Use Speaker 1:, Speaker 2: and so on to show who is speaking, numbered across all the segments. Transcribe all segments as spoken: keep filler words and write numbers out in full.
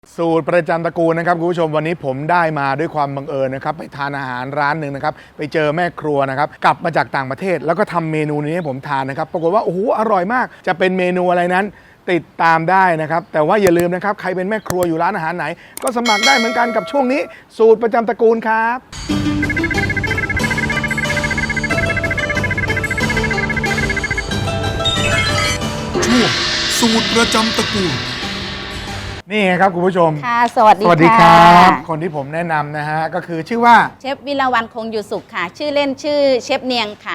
Speaker 1: สูตรประจำตระกูลนะครับคุณผู้ชมวันนี้ผมได้มาด้วยความบังเอิญนะครับไปทานอาหารร้านหนึ่งนะครับไปเจอแม่ครัวนะครับกลับมาจากต่างประเทศแล้วก็ทำเมนูนี้ให้ผมทานนะครับปรากฏว่าโอ้โหอร่อยมากจะเป็นเมนูอะไรนั้นติดตามได้นะครับแต่ว่าอย่าลืมนะครับใครเป็นแม่ครัวอยู่ร้านอาหารไหนก็สมัครได้เหมือนกันกับช่วงนี้สูตรประจำตระกูลครับ
Speaker 2: ช่วงสูตรประจำตระกูล
Speaker 1: นี่ครับคุณผู้ชม
Speaker 3: ค่ะสวัสดี
Speaker 1: สวัสดีครับคนที่ผมแนะนำนะฮะก็คือชื่อว่า
Speaker 3: เชฟวิลาวันคงอยู่สุขค่ะชื่อเล่นชื่อเชฟเนียงค่ะ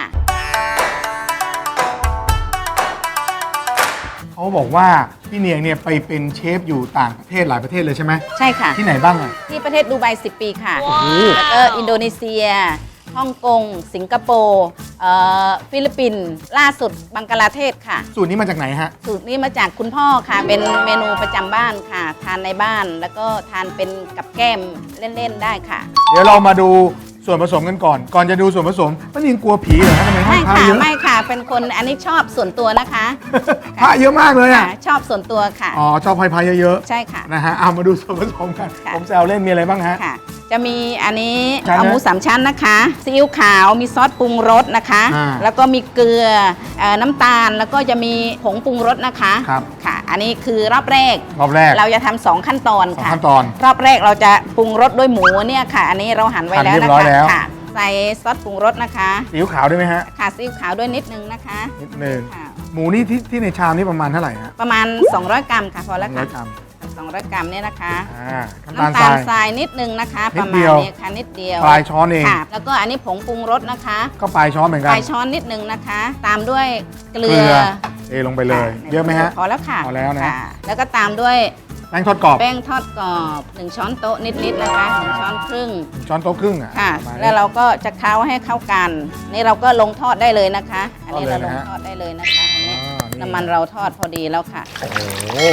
Speaker 1: เขาบอกว่าพี่เนียงเนี่ยไปเป็นเชฟอยู่ต่างประเทศหลายประเทศเลยใช่ไหม
Speaker 3: ใช่ค่ะ
Speaker 1: ที่ไหนบ้างอ่ะ
Speaker 3: ที่ประเทศดูไบสิบปีค่ะแล้วก็อินโดนีเซียฮ่องกงสิงคโปร์ฟิลิปปินส์ล่าสุดบังกลาเทศค่ะ
Speaker 1: สูตรนี้มาจากไหนฮะ
Speaker 3: สูตรนี้มาจากคุณพ่อค่ะเป็นเมนูประจำบ้านค่ะทานในบ้านแล้วก็ทานเป็นกับแก้มเล่นๆได้ค่ะ
Speaker 1: เดี๋ยวเรามาดูส่วนผสมกันก่อนก่อนจะดูส่วนผสมป้านิงกลัวผีเหรอฮะทำไมห้อ
Speaker 3: ไม่
Speaker 1: งพระ
Speaker 3: ค่ะ
Speaker 1: เยอะ
Speaker 3: ไม่ค่ะเป็นคนอันนี้ชอบส่วนตัวนะคะ
Speaker 1: พระเยอะมากเลยอ่ะ
Speaker 3: ชอบส่วนตัวค่ะ
Speaker 1: อ๋อชอบพายพายเยอะ
Speaker 3: ๆใช่ค่ะ
Speaker 1: นะฮะเอามาดูส่วนผสมกันผมแซวเล่นมีอะไรบ้างฮะ
Speaker 3: ค่ะจะมีอันนี้เอาหมูสามชั้นนะคะซีอิ๊วขาวมีซอสปรุงรสนะคะแล้วก็มีเกลือน้ำตาลแล้วก็จะมีผงปรุงรสนะคะ
Speaker 1: ครับ
Speaker 3: ค่ะอันนี้คือรอบแรก
Speaker 1: รอบแรก
Speaker 3: เราจะทำสองขั้นตอนค่ะ
Speaker 1: ขั้นตอน
Speaker 3: รอบแรกเราจะปรุงรสด้วยหมูเนี่ยค่ะอันนี้เราหั่นไว้แล้วนะคะค่ะใส่ซอสปรุงรสนะคะ
Speaker 1: ซีอิ๊วขาวด้วยไหมฮะ
Speaker 3: ค่ะซีอิ๊วขาวด้วยนิดนึงนะคะ
Speaker 1: นิดนึงหมูนี่ที่ที่ในชามนี่ประมาณเท่าไหร่ฮะ
Speaker 3: ประมาณสองร้อยกรัมค่ะพอแล้วค่ะสองร้อยกรัมเนี่ยนะคะน้ำตาลทรายนิดนึงนะคะประมาณนี้ค่ะนิดเดียว
Speaker 1: ปลายช้อนเอง
Speaker 3: ค่ะแล้วก็อันนี้ผงปรุงรสนะคะ
Speaker 1: ก็ปลายช้อนเหมือนกัน
Speaker 3: ปลายช้อนนิดนึงนะคะตามด้วยเกลือ
Speaker 1: เทลงไปเลยเยอะไหมฮะ
Speaker 3: พอแล้วค่ะ
Speaker 1: พอแล้วนะ
Speaker 3: แล้วก็ตามด้วย
Speaker 1: แป้งทอดกรอบ
Speaker 3: แป้งทอดกรอบหนึ่งช้อนโต๊ะนิดๆนะคะหนึ่งช้อนครึ่ง
Speaker 1: ช้อนโต๊ะครึ่งอ่ะ
Speaker 3: ค่ะแล้วเราก็จะเคล้าให้เข้ากันนี่เราก็ลงทอดได้เลยนะคะอันนี้เราลงทอดได้เลยนะคะอันนี้น้ำมันเราทอดพอดีแล้วค่ะ
Speaker 1: โอ้โห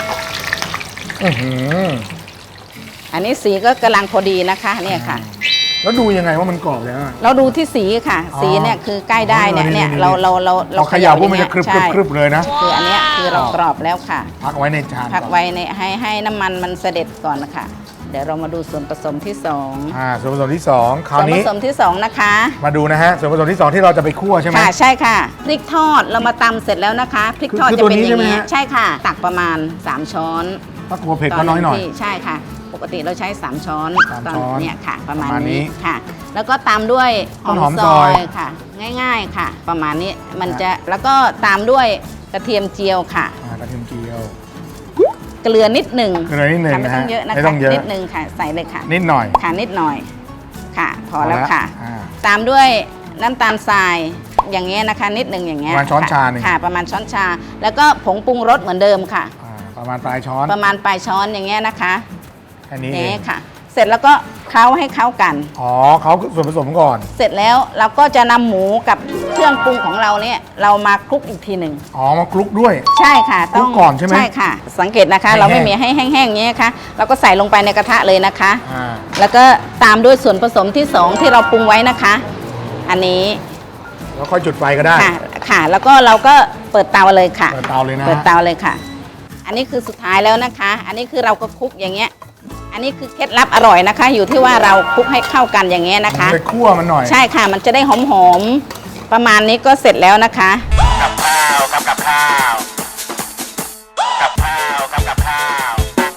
Speaker 3: อันนี้สีก็กำลังพอดีนะคะเนี่ยค่ะ
Speaker 1: แล้วดูยังไงว่ามันกรอบแล้ว
Speaker 3: เราดูที่สีค่ะสีเนี่ยคือใกล้ได้เนี่ยเนี่ยเราเราเรา
Speaker 1: เราเขย่าพวกมันจะครึบครึบเลยนะ
Speaker 3: คืออันนี้คือเรากรอบแล้วค่ะ
Speaker 1: พักไว้ในจาน
Speaker 3: พักไว้ในให้ให้น้ำมันมันเสด็จก่อนนะคะเดี๋ยวเรามาดูส่วนผสมที่สอง
Speaker 1: อ่าส่วนผสมที่สองคราวนี้
Speaker 3: ส่วนผสมที่สองนะคะ
Speaker 1: มาดูนะฮะส่วนผสมที่สองที่เราจะไปคั่วใช่ไหม
Speaker 3: ค่ะใช่ค่ะพริกทอดเรามาตำเสร็จแล้วนะคะพริกทอดจะเป็นอย่างนี้ใช่ค่ะตักประมาณสามช้อน
Speaker 1: ถ้ากลัวเผ็ดก็น้อยหน่อย
Speaker 3: ใช่ค่ะปกติเราใช้สามช้อน
Speaker 1: ตอน
Speaker 3: เนี่ยค่ะประมาณนี้ค่ะแล้วก็ตามด้วยหอมซอยค่ะง่ายๆค่ะประมาณนี้มันจะแล้วก็ตามด้วยกระเทียมเจียวค่ะ
Speaker 1: กระเทียมเจียว
Speaker 3: เกลือนิดหนึ่ง
Speaker 1: เกลือนิดหนึ่ง
Speaker 3: ไม่ต้องเยอะนะคะนิดหนึ่งค่ะใส่เลยค่ะ
Speaker 1: นิดหน่อย
Speaker 3: ค่ะนิดหน่อยค่ะพอแล้วค่ะตามด้วยน้ำตาลทรายอย่างเงี้ยนะคะนิดหนึ่งอย่างเงี้ย
Speaker 1: ประมาณช้อนชาหนึ่ง
Speaker 3: ค่ะประมาณช้อนชาแล้วก็ผงปรุงรสเหมือนเดิมค่ะ
Speaker 1: ประมาณปลายช้อน
Speaker 3: ประมาณปลายช้อนอย่างเงี้ยนะคะ
Speaker 1: แค่นี้เ
Speaker 3: องค่ะเสร็จแล้วก็เคล้าให้เข้ากัน
Speaker 1: อ๋อเขาส่วนผสมก่อน
Speaker 3: เสร็จแล้วเราก็จะนำหมูกับเครื่องปรุงของเราเนี่ยเรามาคลุกอีกทีหนึ่ง
Speaker 1: อ๋อมาคลุกด้วย
Speaker 3: ใช่ค่ะ
Speaker 1: ต้องก่อนใช่ไหม
Speaker 3: ใช่ค่ะสังเกตนะคะเราไม่มีให้แห้งๆอย่างเงี้ยค่ะเราก็ใส่ลงไปในกระทะเลยนะคะแล้วก็ตามด้วยส่วนผสมที่สองที่เราปรุงไว้นะคะอันนี้
Speaker 1: แล้วค่อยจุดไฟก็ได้
Speaker 3: ค่ะค่ะแล้วก็เราก็เปิดเตาเลยค่ะ
Speaker 1: เปิดเตาเลยนะ
Speaker 3: เปิดเตาเลยค่ะอันนี้คือสุดท้ายแล้วนะคะอันนี้คือเราก็คลุกอย่างเงี้ยอันนี้คือเคล็ดลับอร่อยนะคะอยู่ที่ว่าเราคลุกให้เข้ากันอย่างเงี้ยนะคะ
Speaker 1: ไปคั่วมันหน่อย
Speaker 3: ใช่ค่ะมันจะได้หอมๆประมาณนี้ก็เสร็จแล้วนะคะกับข้าวกับกับข้าวกับข้าวกับกับข้าว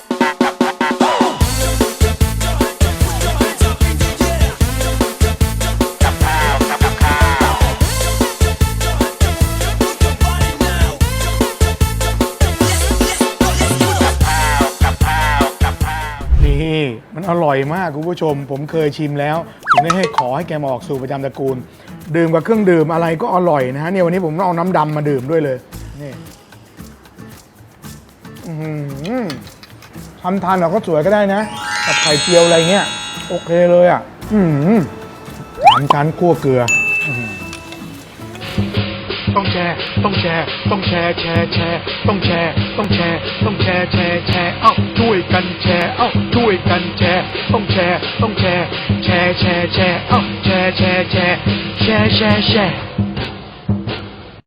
Speaker 3: กับข้าวกับกับข้าว
Speaker 1: นี่มันอร่อยมากคุณผู้ชมผมเคยชิมแล้วถึงได้ให้ขอให้แกมาออกสูตรประจำตระกูลดื่มกับเครื่องดื่มอะไรก็อร่อยนะฮะเนี่ยวันนี้ผมเอาน้ำดำมาดื่มด้วยเลยนี่ทำทานเราก็สวยก็ได้นะกับไข่เจียวอะไรเงี้ยโอเคเลยอ่ะสามชั้นคั่วเกลือต้องแชร์ต้องแชร์ต้องแชร์แชร์แชร์ต้องแชร์ต้องแชร์ต้องแชร์แชร์แชร์เอ้าช่วยกันแชร์เอ้าช่วยกันแชร์ต้องแชร์ต้องแชร์แชร์แชร์แชร์เอ้าแชร์แชร์แชร์แชร์แชร์แชร์